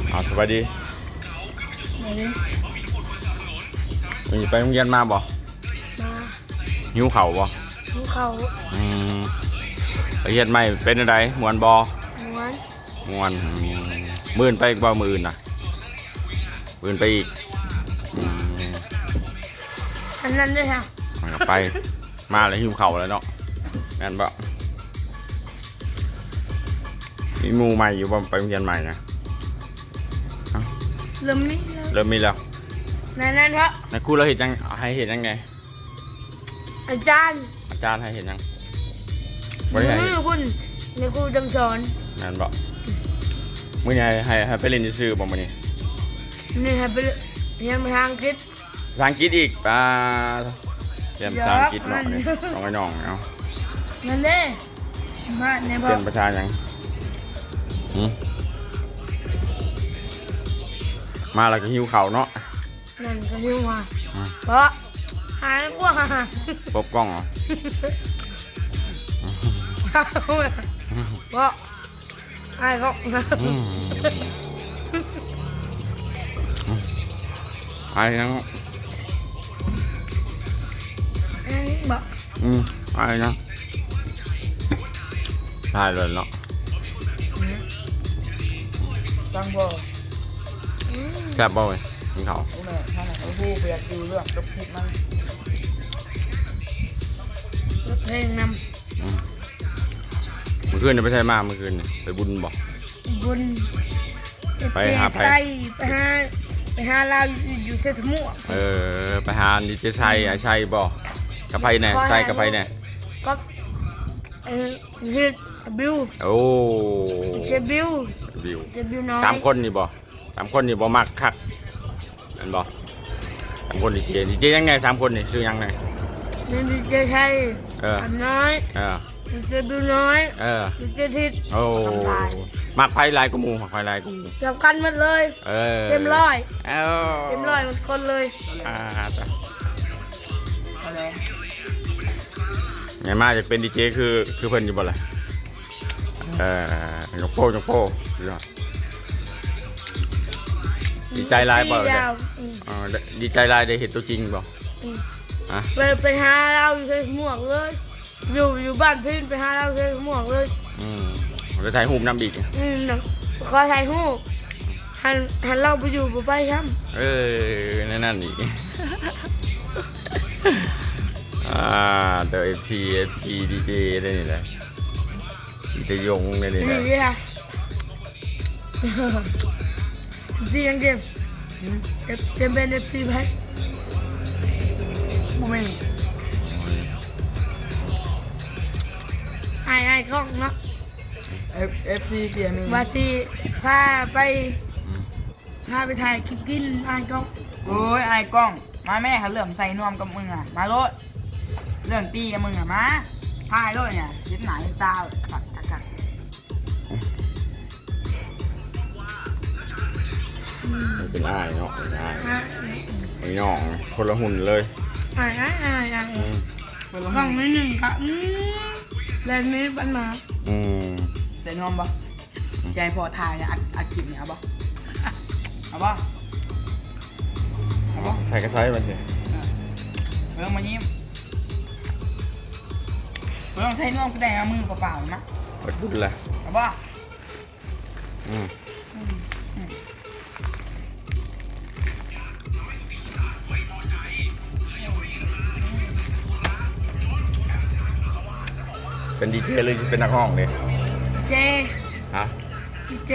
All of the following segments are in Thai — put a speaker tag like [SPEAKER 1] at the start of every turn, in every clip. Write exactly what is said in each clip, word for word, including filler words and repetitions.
[SPEAKER 1] เอาสบายดี
[SPEAKER 2] ไหนดิ
[SPEAKER 1] มีไปโรงเรียนมาบ่
[SPEAKER 2] มา
[SPEAKER 1] หิวเข่าวบ่
[SPEAKER 2] ภูเขา
[SPEAKER 1] อืมไปเรียนใหม่เป็นอะไรมวนบ่
[SPEAKER 2] ม้วน
[SPEAKER 1] มวนอืมมื่นไปอีกบ่มื่นน่ะมื่นไปอีกอืม
[SPEAKER 2] อันนั้นด้วยค่ะ
[SPEAKER 1] มันก็ไป มาแล้วหิวเข่าวแล้วเนาะงั้นบ่มีหมู่ใหม่อยู่บ่ไปโรงเรียนใหม่นะ
[SPEAKER 2] เริ่มมี
[SPEAKER 1] เริ่มมีแล้ว
[SPEAKER 2] ในนั้นเพราะ
[SPEAKER 1] ในครูเราเห็นยังให้เห็นยังไง
[SPEAKER 2] อาจารย์
[SPEAKER 1] อาจารย์ให้เห็นยังบ่
[SPEAKER 2] มื
[SPEAKER 1] ได้ให้
[SPEAKER 2] อคุณในครูจังสอน
[SPEAKER 1] งั้นบ่มื้อนี้ให้ให้ไปเล่นซื่อๆบ่มื้อนี้
[SPEAKER 2] นี่ให้ไปเรียนภาษาอังกฤษ
[SPEAKER 1] ภาษาอังกฤษอีกป้าเรียนภาษาอังกฤษเนาะนี่
[SPEAKER 2] เยอะ
[SPEAKER 1] น้องไอ้น้องเอา
[SPEAKER 2] นั่นเด้มาในพ่อ
[SPEAKER 1] เรียนภาษายังหืมมาแล้วก็หิวข้าวเนาะ
[SPEAKER 2] นั่นก็หิวมา
[SPEAKER 1] อืม
[SPEAKER 2] เพราะหายกว่าหา
[SPEAKER 1] ปบกล้องเหรอ
[SPEAKER 2] เพราะไอ้ก็
[SPEAKER 1] อืมไอ้ยัง
[SPEAKER 2] บอก
[SPEAKER 1] อืมไอ้ยังได้เลยเนาะ
[SPEAKER 3] สั่งบ่
[SPEAKER 1] แซ่บบ่เว้ยกินข้าว
[SPEAKER 3] โอ้แม่ท่านน่ะเขาพูดเปียกดูเรื่องกับคลิปมัน
[SPEAKER 2] เพลงน
[SPEAKER 1] อืมเมื่อคืนเนี่ยไปใช่มาเมื่อคืนเนี่ยไปบุญบ่
[SPEAKER 2] ำบุญ
[SPEAKER 1] ไปหาไผ
[SPEAKER 2] ใส่ไปหาไปหาเราอยู่เซตมั่ว
[SPEAKER 1] เออไปหาดิเจชัยไอ้ชัยบ่กับไผแน่ใส่กับไผแน่
[SPEAKER 2] ก็เออเฮ็ดบิว
[SPEAKER 1] โอ้
[SPEAKER 2] เจบิว
[SPEAKER 1] วิว
[SPEAKER 2] เจบิวน้อย
[SPEAKER 1] สามคนนี่บ่สามคนนี่บ่มักคักนั่นบ่สามคนดีเจดีเจยังไงสามคนนี่ชื่อยังไง
[SPEAKER 2] นี่ดีเจชัย
[SPEAKER 1] เออ
[SPEAKER 2] อันน้อย
[SPEAKER 1] เออ
[SPEAKER 2] ดีเจบิวน้อย
[SPEAKER 1] เออ
[SPEAKER 2] ดีเจทิศ
[SPEAKER 1] โอ้มักไผหลายกูหมู่มักไผหลายกูหมู่
[SPEAKER 2] จับกันหมดเลย
[SPEAKER 1] เออ
[SPEAKER 2] เต็มร้อย
[SPEAKER 1] เอ้า
[SPEAKER 2] เต็มร้อยหมดคนเลย
[SPEAKER 1] อ่าจ้ะ
[SPEAKER 3] อะไร
[SPEAKER 1] ไงมาอยากเป็นดีเจคือคือเพิ่นอยู่บ่ล่ะเออยกโป้ยกโป้ยอดดีใจหลายบ่
[SPEAKER 2] สี่
[SPEAKER 1] เด้
[SPEAKER 2] ดาวอืม
[SPEAKER 1] อ๋อดีใจหลายได้เห็นตัวจริงบ่
[SPEAKER 2] อืม
[SPEAKER 1] ฮะ
[SPEAKER 2] ไปไปหาเราอยู่เซตม่วงเลย อยู่อยู่บ้านพี่ไปหาเราเซตม่วงเลย
[SPEAKER 1] อืมแล้วถ่ายรูปนำอีก
[SPEAKER 2] อืมน่ะขอถ่ายรูปหันหันเราไปอยู่บ่ไปครับ
[SPEAKER 1] เออนั่นนั่นอีก อ่าเดอะเอฟซีเอฟซีดีเจได้นี่แหละสีตะยงได้นี่แห
[SPEAKER 2] นี่
[SPEAKER 1] ละ
[SPEAKER 2] นี่ค่ะซียังเกมเอฟเจมเป็นเอฟซีไป
[SPEAKER 3] บ่มี
[SPEAKER 2] ไอ้ไอ้กล้องเนาะ
[SPEAKER 3] เอฟเอฟซีเสียมี
[SPEAKER 2] วาซีพาไปพาไปถ่ายคลิปกินไอ้กล้อง
[SPEAKER 3] โอ้ยไอ้กล้องมาแม่เขาเริ่มใส่นวมกับมึงอ่ะมาโลดเรื่องตีกับมึงอ่ะมาพายโลดเนี่ยยึดหนายึดตาขัดขัดขัด
[SPEAKER 1] ไม่เป็นอ้ายเนาะเป็นอ้าย
[SPEAKER 2] ฮะ
[SPEAKER 1] ไอ้น้องคนละหุ่นเลย
[SPEAKER 2] ไอ้ไอ้ไอ้ไอ้
[SPEAKER 1] อืม
[SPEAKER 3] เป็นลม
[SPEAKER 2] กล้องไม่หนึ่งค่ะอืมแลนด์ไม่ปัญหา
[SPEAKER 1] อืม
[SPEAKER 3] ใส่นวมบ่ใจพอถ่ายอัดอัดคลิปเนี่ยเอาบ่เอาบ่เอาบ่
[SPEAKER 1] ใส่กระไซมันสิ
[SPEAKER 3] เรื่องมายิ้มเรื่องใส่นวมก็ได้เอามือเปล่าๆนะ
[SPEAKER 1] เปิดบุญละ
[SPEAKER 3] เอาบ่
[SPEAKER 1] อืมเป็นดีเจเลยเป็นนักห้องเลย
[SPEAKER 2] เจ
[SPEAKER 1] ฮะ
[SPEAKER 2] เจ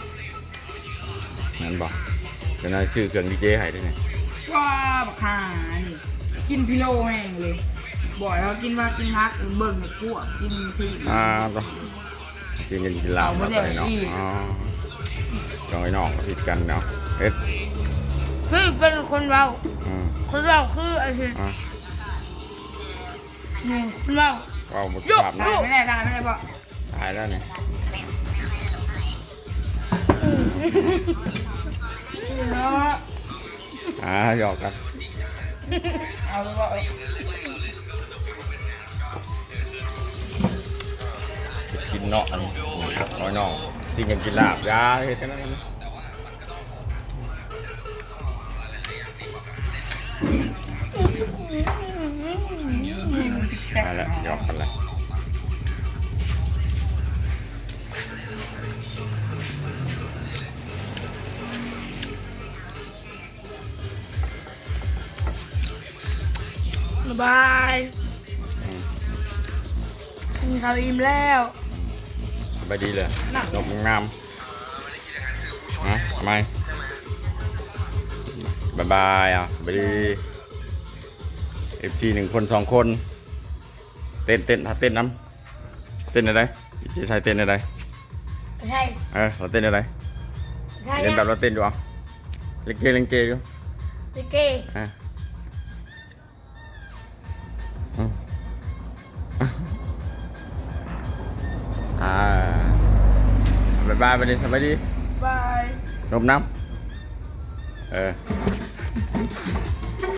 [SPEAKER 1] นั่นบอกเป็นอะไรซื้อเครื่องดีเจให้ด้วยไง
[SPEAKER 3] ว้าบักห่านี่กินพิโลแห้งเลยบ่อยเขากินว่ากินฮักเบิ่งกับกู้กินที
[SPEAKER 1] อ่าต้องจริงกันกินเหล้า
[SPEAKER 3] เอาไม่
[SPEAKER 1] มา
[SPEAKER 3] ได้
[SPEAKER 1] ไปเนาะ
[SPEAKER 3] อีก
[SPEAKER 1] อ๋อจองไอ้น้องก็ผิดกันเนาะเอ็ด
[SPEAKER 2] คือเป็นคนเรา
[SPEAKER 1] อืม
[SPEAKER 2] คนเราคือไอ้ที่
[SPEAKER 1] อ่ะ
[SPEAKER 2] หนึ่งคนเรา
[SPEAKER 1] ก็เอาหมด
[SPEAKER 2] ยก
[SPEAKER 1] ภาพ
[SPEAKER 3] ได้
[SPEAKER 1] นะ
[SPEAKER 3] ไม่ได้ได้ไม่ได้เพราะ
[SPEAKER 1] ตายแล้วเนี่ย
[SPEAKER 2] เนาะ
[SPEAKER 1] อ่าหยอกกัน
[SPEAKER 3] เอาแล้วก็
[SPEAKER 1] กินเนาะอันนี้น้อยน้องสิ่งกันกินลาบยาเฮ็ดกันนั่น
[SPEAKER 3] ยิงซิกแซก
[SPEAKER 1] มาแล้วหยอกกันเลย
[SPEAKER 2] บ๊ายบายกินข้าวอิ่มแล้ว
[SPEAKER 1] สบายดีเลยนกงามฮะทำไมบายบายอ่ะสบายดีเอฟซีหนึ่งคนสองคนเต้นเต้นถ้าเต้นน้ำเต้นอะไรจะใช้เต้นอะไร
[SPEAKER 2] ใช่
[SPEAKER 1] เออเราเต้นอะไร
[SPEAKER 2] ใช่
[SPEAKER 1] เล่นแบบเราเต้นอยู่อ่ะเล่นเกย์เล่นเกย์อยู่
[SPEAKER 2] ติ๊กเก้
[SPEAKER 1] อ่ะอืมอ่าบายบายไปเลยสบายดี
[SPEAKER 2] บาย
[SPEAKER 1] นมน้ำเออ